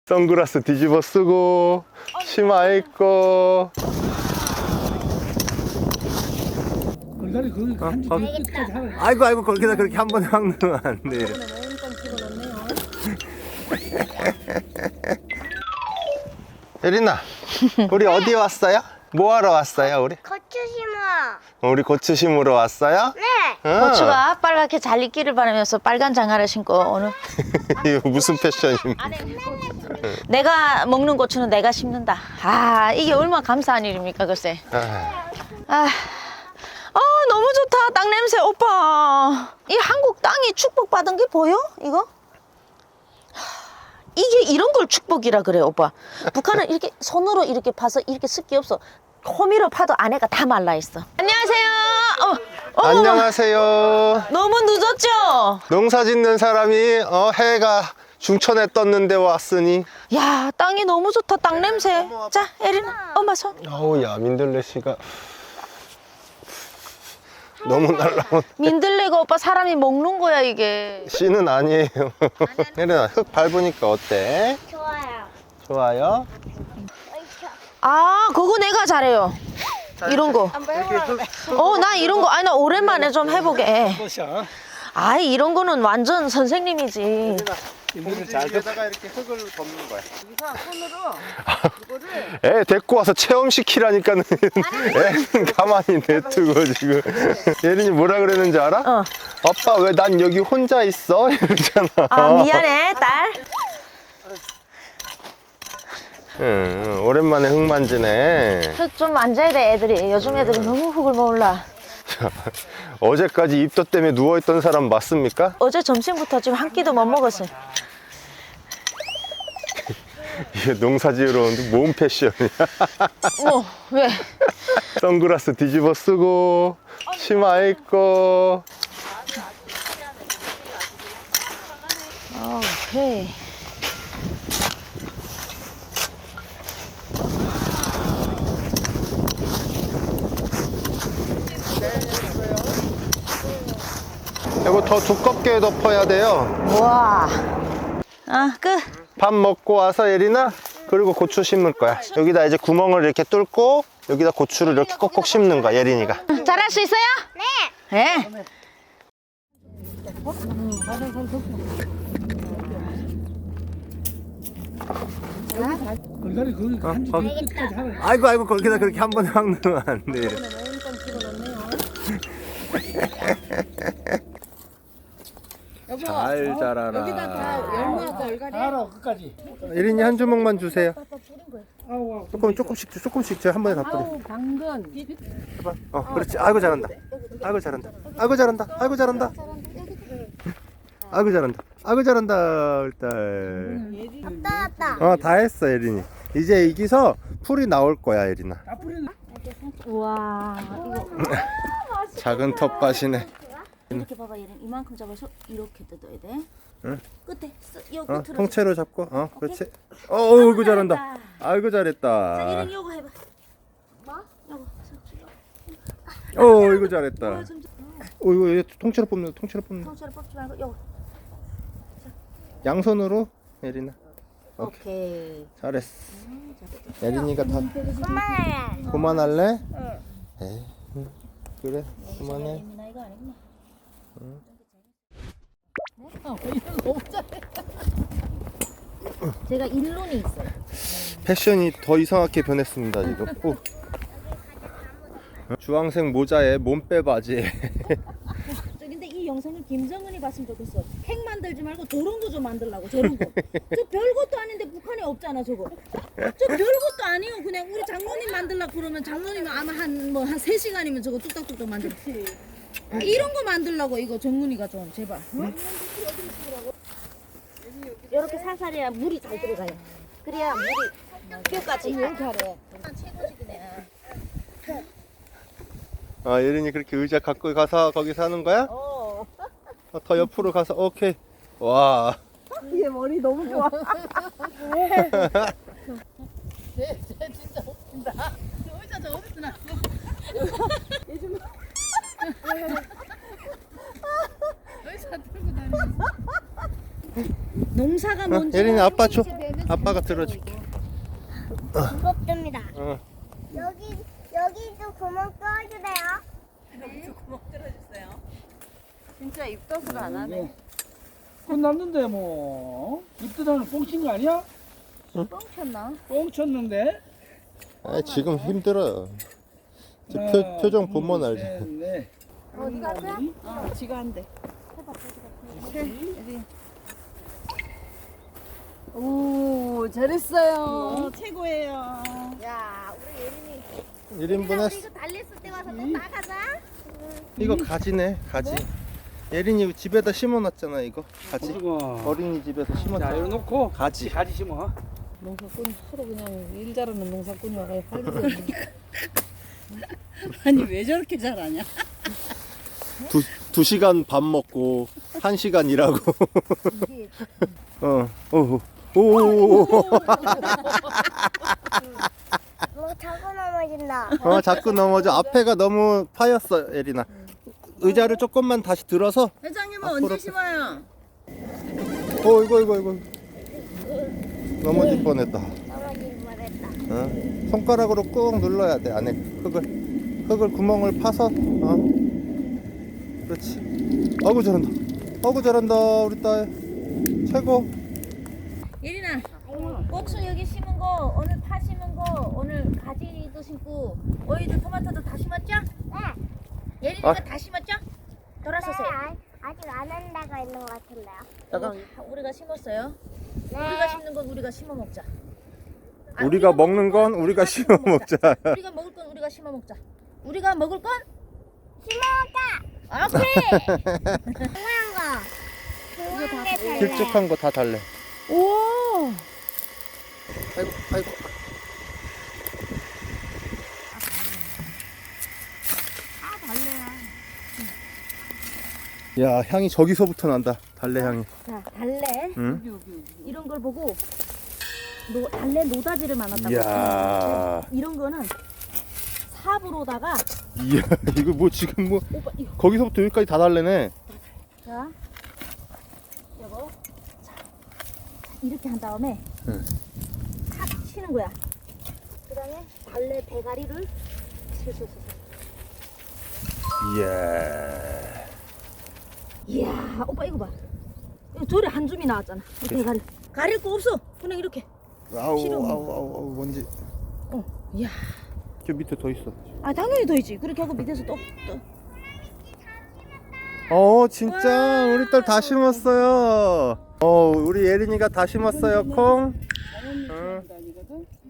선글라스 뒤집어 쓰고 치마 입고. 얼갈이 거기 한 끝까지 하라. 아이고 거기다 그렇게 한 번에 확 넣으면 안 돼. 예린아, 우리 어디 왔어요? 뭐 하러 왔어요 우리? 고추 심어. 우리 고추 심으러 왔어요? 네. 응. 고추가 빨갛게 잘 익기를 바라면서 빨간 장화를 신고 오늘 이거 무슨 패션입니까? 내가 먹는 고추는 내가 심는다. 아, 이게 얼마나 감사한 일입니까 글쎄. 아, 너무 좋다. 땅 냄새. 오빠, 이 한국 땅이 축복받은 게 보여? 이거? 이게 이런 걸 축복이라 그래 오빠. 북한은 이렇게 손으로 이렇게 파서 이렇게 습기 없어. 호미로 파도 안에가 다 말라있어. 안녕하세요. 안녕하세요. 너무 늦었죠? 농사 짓는 사람이 해가 중천에 떴는데 왔으니. 야, 땅이 너무 좋다. 땅 냄새. 자, 에리나, 엄마 손. 어우 야, 민들레 씨가 너무 날라온. 민들레가 오빠 사람이 먹는 거야 이게. 씨는 아니에요. 예린아, 흙 밟으니까 어때? 좋아요. 좋아요? 아, 그거 내가 잘해요. 이런 거. 나 이런 거. 아니, 나 오랜만에 좀 해보게. 것이야. 아이, 이런 거는 완전 선생님이지. 여기다가 이렇게 흙을 덮는 거야. 애 데리고 와서 체험시키라니까는 애는 가만히 냅두고 지금. 예린이 뭐라 그랬는지 알아? 아빠 왜 난 여기 혼자 있어? 이러잖아. 아, 미안해, 딸. 응, 오랜만에 흙 만지네. 흙 좀 만져야 돼, 애들이. 요즘 애들이 너무 흙을 몰라. 어제까지 입덧 때문에 누워있던 사람 맞습니까? 어제 점심부터 지금 한 끼도 못 먹었어요. 이게 농사 지으러 오는데 뭔 패션이야? 왜? 선글라스 뒤집어 쓰고 치마 입고. 오케이. 이거 더 두껍게 덮어야 돼요. 우와. 끝. 밥 먹고 와서 예린아, 그리고 고추 심을 거야. 여기다 이제 구멍을 이렇게 뚫고 여기다 고추를 이렇게 꼭꼭 심는 거야, 예린이가. 잘할 수 있어요? 네. 얼갈이 거기 한 끝까지 하라. 아이고 거기다 그렇게 한 번에 확 넣으면 안 돼. 잘 자라라. 알아 끝까지. 예린이 한 주먹만 주세요. 아우 조금씩 제가 한 번에 다 뿌려. 당근. 그렇지. 아이고 잘한다. 아이고 잘한다. 아이고 잘한다. 아이고 잘한다. 아이고 잘한다. 아이고 잘한다. 일단. 왔다. 다 했어, 예린이. 이제 이기서 풀이 나올 거야, 예린아. 다 뿌리는. 우와. 작은 텃밭이네. 이렇게 봐봐, 얘는 이만큼 잡아서 이렇게 뜯어야 돼. 응. 끝에 요 끝으로. 통째로 잡고. 그렇지. 아이고 잘한다. 아이고 자, 잘했다. 얘는 요거 해봐. 뭐? 요거. 이거 잘했다. 이거 통째로 뽑는다. 통째로 뽑는다. 통째로 뽑지 말고 요거. 양손으로, 예린아. 오케이. 잘했어. 예린이가 다 그만해. 그만할래? 에이, 그래, 그만해. 예민아 이거 아니구나. 제가 일론이 있어요. 패션이 더 이상하게 변했습니다, 지금. 주황색 모자에 몸빼 바지에. 근데 이 영상을 김정은이 봤으면 좋겠어. 핵 만들지 말고 저런 거 좀 만들라고. 저런 거. 저 별것도 아닌데 북한에 없잖아 저거. 저 별것도 아니에요. 그냥 우리 장로님 만들라고 그러면 장로님은 아마 한 3시간이면 저거 뚝딱뚝딱 만들어. 이런 거 만들라고 이거 정문이가 좀 제발. 이렇게 살살해야 물이 잘 들어가요. 그래야 물이 뼈까지 잘해. 예린이 그렇게 의자 갖고 가서 거기 사는 거야? 더 옆으로 가서, 오케이. 와. 얘 머리 너무 좋아. 쟤 진짜 웃긴다. 저 의자 저 어디서 났어? 요즘 의자 들고 다니는. 농사가 뭔지 예린이 아빠 줘. 아빠가 들어줄게. 무겁습니다. 어. 여기도 구멍 뚫어주세요. 구멍 뚫어주세요. 진짜 입덧을 안 하네. 끝났는데 뭐 입더다는 뽕친 거 아니야? 뻥쳤나? 뽕 쳤는데. 아, 지금 힘들어요. 저 표정 보면 알지. 네. 어디 가세요? 지가 한대. 오, 잘했어요. 최고예요. 야, 우리 예린이. 1인분 했어. 이거 달랬을 때 와서 또 나가자. 이거 가지네, 가지. 예린이 집에다 심어놨잖아, 이거. 가지. 그리고 어린이집에서 자, 심었잖아. 이거 놓고 가지. 가지 심어. 농사꾼 서로 그냥 일 잘하는 농사꾼이 와가 팔리고. 아니 왜 저렇게 잘하냐? 2시간 밥 먹고 1시간 일하고. 오. 뭐 자꾸 넘어진다. 자꾸 넘어져. 앞에가 너무 파였어, 예린아. 의자를 조금만 다시 들어서. 회장님은 앞으로 언제 심어요? 이거. 넘어질 뻔했다. 넘어질 뻔했다. 손가락으로 꾹 눌러야 돼. 안에 흙을 구멍을 파서. 그렇지. 아이고 잘한다 우리 딸. 최고. 예린아, 꼭수 여기 심은 거, 오늘 파 심은 거, 오늘 가지도 심고, 오이도 토마토도 다 심었죠? 네. 예린이가 아. 다 심었죠? 돌아서세요. 아직 안 한다고 있는 것 같은데요. 이거 다 우리가 심었어요. 네. 우리가 심는 건 우리가 심어 먹자. 우리가 먹는 건 우리가 심어 먹자. 우리가 먹을 건 우리가 심어 먹자. 우리가 먹을 건 심어가. 오케이. 중요한 거. 중요한 게 달래. 길쭉한 거 다 달래. 오. 아이고. 야, 향이 저기서부터 난다. 달래 향이. 자, 달래. 응? 이런 걸 보고 달래 노다지를 만났다고. 이야. 이런 거는 삽으로다가 이야, 이거 뭐 지금 뭐 오빠 이거 거기서부터 여기까지 다 달래네. 자, 여보, 자, 이렇게 한 다음에 응. 탁 치는 거야. 그다음에 달래 대가리를 슬슬슬. 이야. 이야, 오빠 이거 봐. 이거 저리 한 줌이 나왔잖아. 이 대가리. 가릴 거 없어. 그냥 이렇게. 아우, 뭔지. 이야. 저 밑에 더 있어. 아 당연히 더 있지. 그렇게 하고 밑에서 또. 진짜 우리 딸 다 심었어요. 우리 예린이가 다 심었어요. 콩. 자연이 심는다니거든.